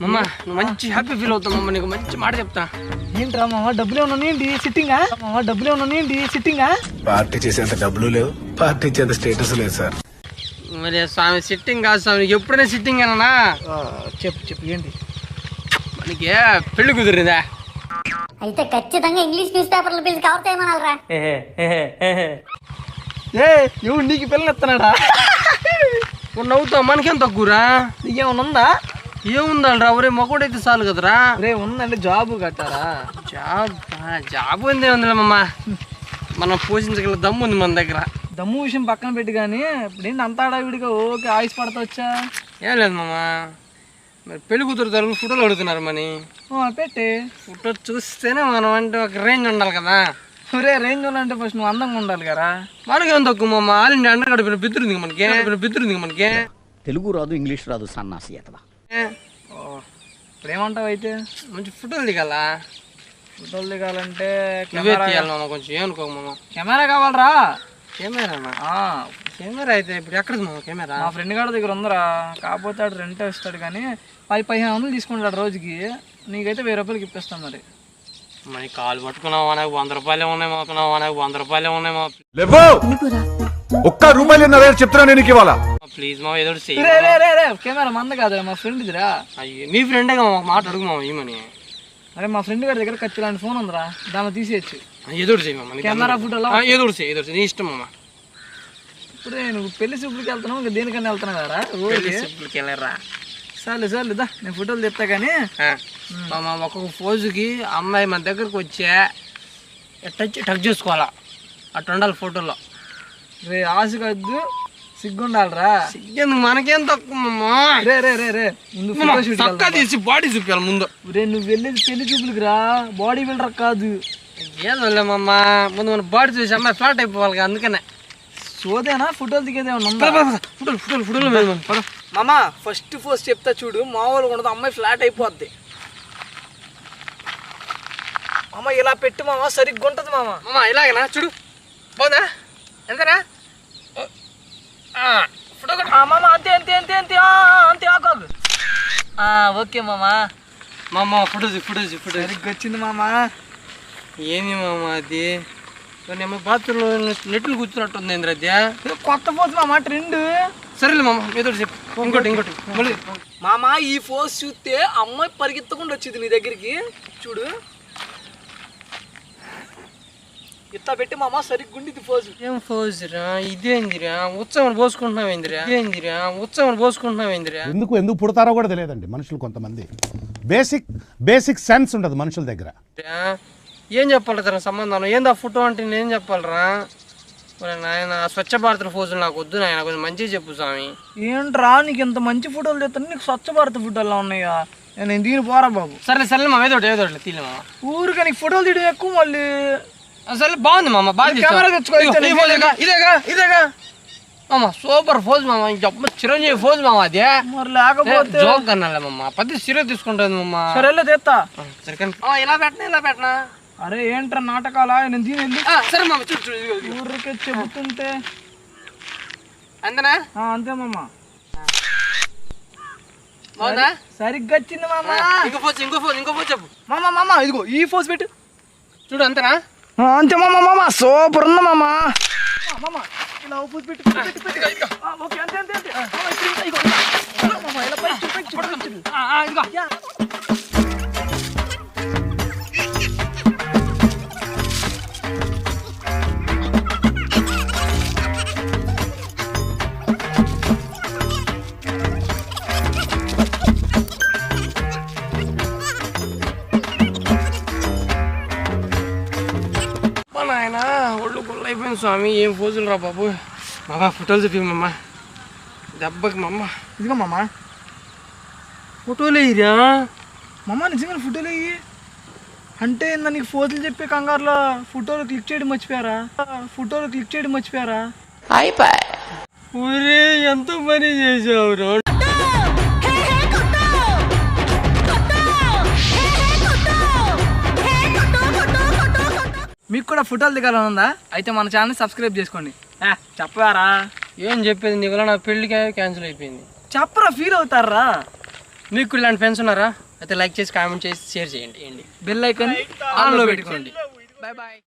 మమ్మ నువ్వు మంచి హ్యాపీ ఫీల్ అవుతావు మమ్మ, నీకు మంచి మాట చెప్తా. ఏంట్రా మామ డబ్బులు ఏమన్నా ఏంటి సిట్టింగా? మామ డబ్బులు ఏమన్నా ఏంటి సిట్టింగా? పార్టీ చేసేంత డబ్బులు లేవు, పార్టీ చేసేంత స్టేటస్ లేదు సార్. మరి స్వామి సిట్టింగ్ కాదు స్వామి, ఎప్పుడైనా సిట్టింగ్ అన్నా. చెప్పు ఏంటి? మనకి పెళ్లి కుదిరిందా? అయితే ఖచ్చితంగా ఇంగ్లీష్ న్యూస్ పేపర్లు పిలిచి కవర్ చేయమనాలరా. ఎవరు నీకు పిల్లలు ఎత్తనాడా? నవ్వుతావు, మనకేం తక్కువరా? నీకేమన్నా ఉందా? ఏముందాలరా, ఒరే మొక్కడైతే చాలు కదరా. రే ఉందంటే జాబ్ కట్టారా? జాబ్ ఉంది ఉందిలేమమ్మా, మనం పోషించగల దమ్ము ఉంది మన దగ్గర. దమ్ము విషయం పక్కన పెట్టి కానీ ఇప్పుడు ఏంటి అంత ఆడావిడిగా ఓకే ఆయుష్ పడతా వచ్చా? ఏం లేదు మామ, మరి పెళ్లి కూతురు తరపు ఫోటోలు అడుగుతున్నారు మని. పెట్టి ఫోటో చూస్తేనే మనం అంటే ఒక రేంజ్ ఉండాలి కదా. రే రేంజ్ ఉండాలంటే ఫస్ట్ నువ్వు అందంగా ఉండాలి కదా. మనకేం తక్కువ మామ, ఆల్ ఇండియా అండర్ గడిపిన బిద్దురుంది మనకి. తెలుగు రాదు, ఇంగ్లీష్ రాదు, సన్నాసి అతవా. ఇప్పుడు ఏమంటావు అయితే? మంచి ఫోటోలు దిగాల. ఫోటోలు దిగాలంటే నువ్వే తీయాలి మామ, కొంచెం ఏమనుకో మామ. కెమెరా కావాలరా? కెమెరానా? కెమెరా అయితే ఇప్పుడు ఎక్కడ మామ కెమెరా? మా ఫ్రెండ్ గారి దగ్గర ఉందరా, కాకపోతే ఆడు రెంట్ ఇస్తాడు కానీ 1500 తీసుకుంటాడు రోజుకి. నీకైతే 1000 రూపాయలకి ఇప్పిస్తాం. మరి కాలు పట్టుకున్నావా, నాకు 100 రూపాయలే ఉన్నాయి మా. ఒక్క రూపాయలు చెప్తున్నా నేను ఇవ్వాలా? ప్లీజ్ మా, ఏదో కెమెరా మంద కాదు మా ఫ్రెండ్దిరా. అయ్యో మీ ఫ్రెండే మా మాట అడుగు మామ ఏమని. అరే మా ఫ్రెండ్ గారి దగ్గర ఖర్చు లాంటి ఫోన్ ఉందిరా, దాన్ని తీసేయచ్చు. ఏదో చేయి మామ, కెమెరా ఫోటోలో ఏదో చేయి, నీ ఇష్టం మామ. ఇప్పుడే నువ్వు పెళ్లి చూపులకి వెళ్తున్నావు, ఇంకా దేనికన్నా వెళ్తున్నావు కదా? వెళ్ళరా చాలు దా, నేను ఫోటోలు తెస్తా కానీ. మామ ఒక్కొక్క పోజుకి అమ్మాయి మన దగ్గరకు వచ్చే టచ్ చేసుకోవాలా, అట్లా ఉండాలి ఫోటోలో. రే ఆశ కాదు, సిగ్గుండాలరా. సిగ్గెందుకు, మనకేం తక్కువ మామ. రే ముందు ఫోటో షూట్ చక్కా తీసి బాడీ చూపించాలి ముందు. రే నువ్వు వెళ్ళేది పెళ్లి చూపులకి రా, బాడీ బిల్డర్ కాదు. ఏదో మామ, ముందు మన బాడీ చూసి అమ్మాయి ఫ్లాట్ అయిపోవాలి కదా, అందుకనే. సోదేనా ఫోటోలు దిగేదేమన్నా? ఫోటోలు మామా ఫస్ట్ చెప్తా చూడు, మామూలుగా ఉండదు, అమ్మాయి ఫ్లాట్ అయిపోద్ది. మామ ఇలా పెట్టు మామ, సరిగ్గా ఉంటుంది మామ. మామ ఇలాగనా చూడు, బాగుందా? ఎంతనా ఫోటో? మామ అంతే ఆకాదు. ఓకే మామ ఫోటో సరిగ్గా వచ్చింది మామ. ఏంది మామ అది? బాత్రూంలో నెట్లు కూర్చున్నట్టుంది ఏంద్ర అది? కొత్త పోతు మామ, ట్రెండ్. సరేలే మామ, ఏదో చెప్పు. ఇంకోటి మళ్ళీ మామ ఈ ఫోజ్ చూస్తే అమ్మాయి పరిగెత్తకుండా వచ్చింది నీ దగ్గరికి. చూడు ఇట్లా పెట్టి మామ సరిగ్గుండి ఫోజు. ఏం ఫోజురా ఇదేందిరా? ఉత్సవం పోసుకుంటున్నావేందిరా? ఎందుకు పుడతారో కూడా తెలియదండి మనుషులు. కొంతమంది బేసిక్ సెన్స్ ఉండదు మనుషుల దగ్గర. ఏం చెప్పాలి సంబంధం? ఏందా ఫోటో అంటే నేనేం చెప్పాలరా? నాయన స్వచ్ఛ భారత్ ఫోజులు నాకు వద్దు నాయన, కొంచెం మంచిగా చెప్పు స్వామి. ఏంట్రా నీకు ఇంత మంచి ఫోటోలు తెస్తాను, నీకు స్వచ్ఛ భారత్ ఫోటోలు ఉన్నాయా? నేను దీని పోరా బాబు. సరే మామ, ఏదో తీలే మామ. ఊరికే నీకు ఫోటోలు తీయడం ఎక్కువ మళ్ళీ. సరే బాగుంది మామ, బాగా కెమెరా తెచ్చుకో. ఇదేగా మామ, సూపర్ ఫోజ్ మామ, చిరంజీవి ఫోజ్ మామ. అదే మరి లేకపోతే జోక్ అన్నాలే మామ, పది సీరియస్ తీసుకుంటుంది మామ. సరేలే తెస్తా. సరే కానీ ఇలా పెట్టనా? అరే ఏంట్రా నాటకాలా? నేను దీని వెళ్ళి సరే మామ, ఊరికే చెబుతుంటే అంతేనా? అంతే మామ. బాగుందా? సరిగ్గా వచ్చింది మామ. ఇంకో ఫోజ్ చెప్పు. మామ ఇదిగో ఈ ఫోజ్ పెట్టు చూడు. అంతేనా? అంతే మామ సూపర్ ఉంది మామ. ఇలా ఫోజ్ పెట్టు. ఓకే అంతే నాయన ఒళ్ళు గుళ్ళు అయిపోయింది స్వామి, ఏం ఫోజులు రా బాబు. మామ ఫోటోలు చూపిమ్మా దెబ్బకి. ఇదిగో మామ ఫోటోలు వేయరా? నిజంగా ఫోటోలు వేయి అంటే నీకు ఫోటోలు చెప్పే కంగారులో ఫోటోలు క్లిక్ చేయడం మర్చిపోయారా? ఊరే ఎంత పని చేసావు. మీకు కూడా ఫోటోలు దిగాలని ఉందా? అయితే మన ఛానల్ సబ్స్క్రైబ్ చేసుకోండి. చెప్పారా? ఏం చెప్పేది నీకు? నా పెళ్లికి క్యాన్సిల్ అయిపోయింది. చెప్పరా, ఫీల్ అవుతారా? మీకు కూడా ఇలాంటి ఫ్రెండ్స్ ఉన్నారా? అయితే లైక్ చేసి కామెంట్ చేసి షేర్ చేయండి. బెల్ ఐకాన్ ఆన్లో పెట్టుకోండి. Bye bye.